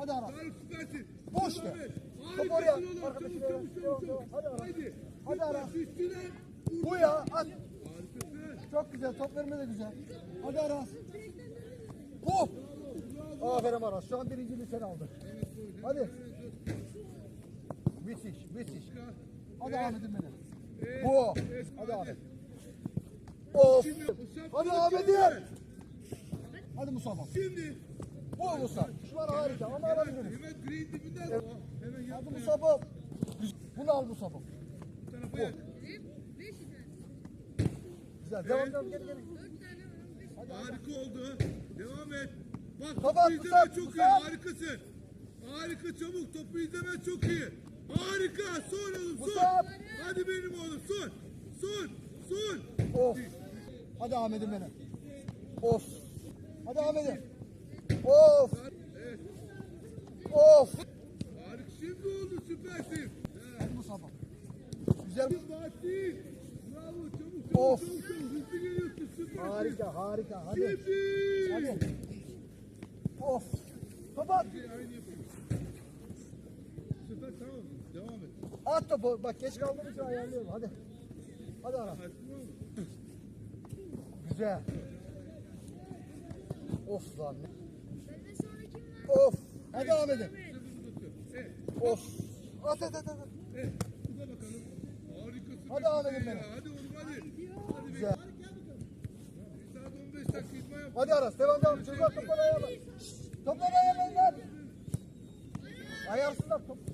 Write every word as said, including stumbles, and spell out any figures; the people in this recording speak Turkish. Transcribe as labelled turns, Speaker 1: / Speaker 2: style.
Speaker 1: Hadi Aras.
Speaker 2: Tarık süpersin.
Speaker 1: Boş
Speaker 2: Devam
Speaker 1: ver.
Speaker 2: et.
Speaker 1: Top
Speaker 2: Harikasın
Speaker 1: oraya.
Speaker 2: oğlum.
Speaker 1: Arkadaşına
Speaker 2: Çabuk,
Speaker 1: ver.
Speaker 2: çabuk, çabuk,
Speaker 1: Devam,
Speaker 2: çabuk.
Speaker 1: devam. Hadi Aras.
Speaker 2: Haydi.
Speaker 1: Hadi Aras.
Speaker 2: Üstüne.
Speaker 1: Bu ya. At.
Speaker 2: Harikasın.
Speaker 1: Çok güzel. Top verme de güzel. Hadi Aras. Hop. Aferin Aras. Şu an birinciliği sen aldın. Hadi. Müthiş. Müthiş. Hadi Ahmet'im benim. Bu. Hadi Ahmet. Of. Hadi Ahmet'im. Hadi Mustafa.
Speaker 2: Şimdi.
Speaker 1: Bu Mustafa. Şu an harika ama alabiliriz.
Speaker 2: Hemen green dibinden.
Speaker 1: Evet.
Speaker 2: Hemen
Speaker 1: Hadi
Speaker 2: yapma.
Speaker 1: Mustafa. Bunu al Mustafa.
Speaker 2: Bu tarafa yak.
Speaker 1: Güzel. Devam devam. Geri geri.
Speaker 2: Harika oldu. Devam et. Bak
Speaker 1: Baba,
Speaker 2: topu izleme
Speaker 1: Musab,
Speaker 2: çok iyi.
Speaker 1: Musab.
Speaker 2: Harikasın. Harika çabuk. Topu izleme çok iyi. Harika. Son oğlum son.
Speaker 1: Musab.
Speaker 2: Hadi benim oğlum son. Son. Son.
Speaker 1: Of. Hadi Ahmet'im benim. Of. Hadi Ahmet'im. Of.
Speaker 2: Evet.
Speaker 1: Of.
Speaker 2: Harika. Şimdi oldu süpersin.
Speaker 1: Hadi Mustafa. Güzel.
Speaker 2: Fatih. Bravo. Çabuk çabuk
Speaker 1: Of.
Speaker 2: çabuk çabuk. Hızlı geliyorsun süpersin.
Speaker 1: Harika harika. Hadi.
Speaker 2: Şimdi.
Speaker 1: Hadi. Of. Kapat.
Speaker 2: Aynı yapayım. Süper tamam. Devam et.
Speaker 1: At topu. Bak geç kaldığım için ayarlıyorum. Hadi. Hadi Aras.
Speaker 2: Açtın mı?
Speaker 1: Güzel. Of lan.
Speaker 3: Benden sonra kim var?
Speaker 1: Of. Hadi Ahmet'im.
Speaker 2: Evet.
Speaker 1: Of. At at at at.
Speaker 2: Evet. Bu da bakalım. Harikasın.
Speaker 1: Hadi Ahmet'im benim.
Speaker 2: Hadi oğlum hadi. Hadi
Speaker 1: Güzel.
Speaker 2: Bir saat on beş dakika idman yap.
Speaker 1: Hadi Aras. Devam devam. Çocuklar topları ayarla. Topları ayarlayın lan. Ayarsızlar top.